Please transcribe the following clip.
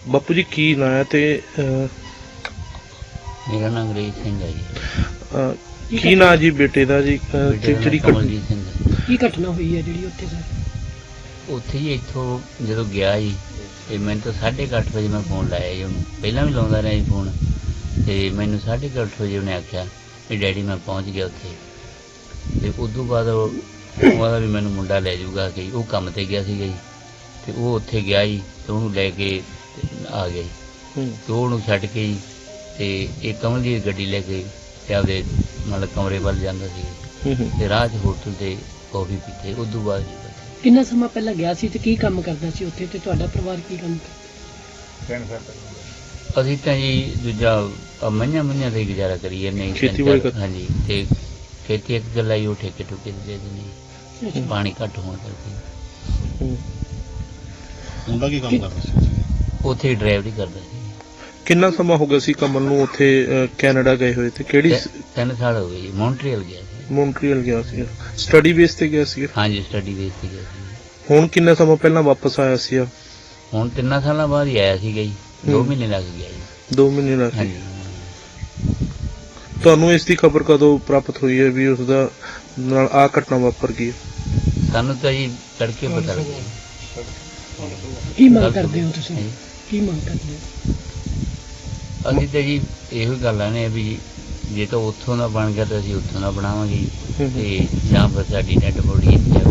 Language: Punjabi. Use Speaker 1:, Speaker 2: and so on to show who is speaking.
Speaker 1: ਬਾਪੂ ਜੀ ਕੀ ਨਾਂ ਹੈ ਤੇ
Speaker 2: ਮੇਰਾ ਨਾਮ ਅੰਗਰੇਜ਼ ਸਿੰਘ ਹੈ ਜੀ।
Speaker 1: ਕੀ ਨਾਂ ਜੀ ਬੇਟੇ ਦਾ ਜੀ?
Speaker 2: ਬੇਟੇ ਦਾ
Speaker 1: ਜਿਹੜੀ
Speaker 2: ਨਾਂ ਕਮਲਜੀਤ ਸਿੰਘ ਹੈ।
Speaker 3: ਕੀ ਘਟਨਾ ਹੋਈ ਹੈ ਜਿਹੜੀ ਉੱਥੇ ਸਰ?
Speaker 2: ਉੱਥੇ ਹੀ ਇੱਥੋਂ ਜਦੋਂ ਗਿਆ ਜੀ ਤੇ ਮੈਨੂੰ ਤਾਂ 8:30 ਵਜੇ ਮੈਂ ਫੋਨ ਲਾਇਆ ਜੀ ਉਹਨੂੰ, ਪਹਿਲਾਂ ਵੀ ਲਾਉਂਦਾ ਰਿਹਾ ਜੀ ਫੋਨ, ਤੇ ਮੈਨੂੰ 8:30 ਵਜੇ ਉਹਨੇ ਆਖਿਆ ਵੀ ਡੈਡੀ ਮੈਂ ਪਹੁੰਚ ਗਿਆ ਉੱਥੇ। ਤੇ ਉਸ ਤੋਂ ਬਾਅਦ ਉਹਦਾ ਵੀ ਮੈਨੂੰ ਮੁੰਡਾ ਲੈ ਜਾਊਗਾ ਕਿ ਉਹ ਕੰਮ ਤੇ ਗਿਆ ਸੀਗਾ ਜੀ, ਤੇ ਉਹ ਉੱਥੇ ਗਿਆ ਜੀ ਤੇ ਉਹਨੂੰ ਲੈ ਕੇ ਤੇ ਆ ਗਿਆ ਜੀ। ਤੇ ਉਹਨੂੰ ਛੱਡ ਕੇ ਜੀ ਤੇ ਇਹ ਕਮਲ ਦੀ ਗੱਡੀ ਲੈ ਕੇ ਤੇ ਆਪਦੇ ਮਤਲਬ ਕਮਰੇ ਵੱਲ ਜਾਂਦਾ ਸੀ ਤੇ ਰਾਹ 'ਚ ਹੋਟਲ ਤੇ ਕੌਫੀ ਪੀਤੇ। ਉਸ ਤੋਂ ਬਾਅਦ
Speaker 3: ਕਿੰਨਾ ਸਮਾਂ ਪਹਿਲਾਂ ਗਿਆ ਸੀ ਤੇ ਕੀ ਕੰਮ ਕਰਦਾ ਸੀ ਉੱਥੇ, ਤੇ ਤੁਹਾਡਾ ਪਰਿਵਾਰ ਕੀ ਕੰਮ ਕਰਦਾ?
Speaker 2: ਅਸੀਂ ਤਾਂ ਜੀ ਦੂਜਾ ਮਈਆਂ ਤੇ ਗੁਜ਼ਾਰਾ ਕਰੀ ਜਾਂਦੇ ਹਾਂ।
Speaker 1: ਖੇਤੀਬਾੜੀ ਕਰ-
Speaker 2: ਹਾਂਜੀ, ਤੇ ਖੇਤੀ ਇੱਕ ਗੱਲ ਆਈ ਉਹ ਠੇਕੇ ਠੁਕੇ ਦੇ ਦਿੰਦੇ, ਪਾਣੀ ਘੱਟ ਹੋਣ ਕਰਕੇ।
Speaker 4: ਮੁੰਡਾ ਕੀ ਕੰਮ ਕਰਦਾ ਸੀ?
Speaker 2: ਉੱਥੇ ਡਰਾਈਵਰੀ ਕਰਦਾ ਸੀ।
Speaker 1: ਕਿੰਨਾ ਸਮਾਂ ਹੋ ਗਿਆ ਸੀ ਕਮਲ ਨੂੰ ਉੱਥੇ ਕੈਨੇਡਾ ਗਏ ਹੋਏ ਤੇ ਕਿਹੜੀ
Speaker 2: 3 ਸਾਲ ਹੋ ਗਏ ਜੀ। ਮੌਂਟਰੀਅਲ ਗਿਆ ਸੀ।
Speaker 1: ਮੌਂਟਰੀਅਲ ਗਿਆ ਸੀ? ਸਟੱਡੀ ਬੇਸ ਤੇ ਗਿਆ ਸੀ?
Speaker 2: ਹਾਂਜੀ, ਸਟੱਡੀ ਬੇਸ ਤੇ ਗਿਆ ਸੀ।
Speaker 1: ਹੁਣ ਕਿੰਨਾ ਸਮਾਂ ਪਹਿਲਾਂ ਵਾਪਸ ਆਇਆ ਸੀ?
Speaker 2: ਹੁਣ 3 ਸਾਲਾਂ ਬਾਅਦ ਹੀ ਆਇਆ ਸੀਗਾ ਜੀ। 2 ਮਹੀਨੇ ਲੱਗ ਗਿਆ ਜੀ।
Speaker 1: 2 ਮਹੀਨੇ ਲੱਗ ਗਏ।
Speaker 2: ਹਾਂਜੀ।
Speaker 1: ਤੁਹਾਨੂੰ ਇਸ ਦੀ ਖਬਰ ਕਦੋਂ ਪ੍ਰਾਪਤ ਹੋਈ ਹੈ ਵੀ ਉਸ ਦਾ ਨਾਲ ਆ ਘਟਨਾ ਵਾਪਰ ਗਈ?
Speaker 2: ਸਾਨੂੰ ਤਾਂ ਜੀ ਤੜਕੇ ਪਤਾ ਲੱਗਿਆ।
Speaker 3: ਕੀ ਮੰਗ ਕਰਦੇ ਹੋ ਤੁਸੀਂ? ਕੀ ਮੰਗ ਕਰਦੇ ਹੋ?
Speaker 2: ਅਸੀਂ ਤਾਂ ਜੀ ਇਹੋ ਹੀ ਗੱਲਾਂ ਨੇ ਵੀ ਜੇ ਤਾਂ ਉੱਥੋਂ ਦਾ ਬਣ ਗਿਆ ਤਾਂ ਅਸੀਂ ਉੱਥੋਂ ਦਾ ਬਣਾਵਾਂਗੇ ਜੀ, ਤੇ ਜਾਂ ਫਿਰ ਸਾਡੀ ਡੈਡ ਬੋਡੀ ਇੱਥੇ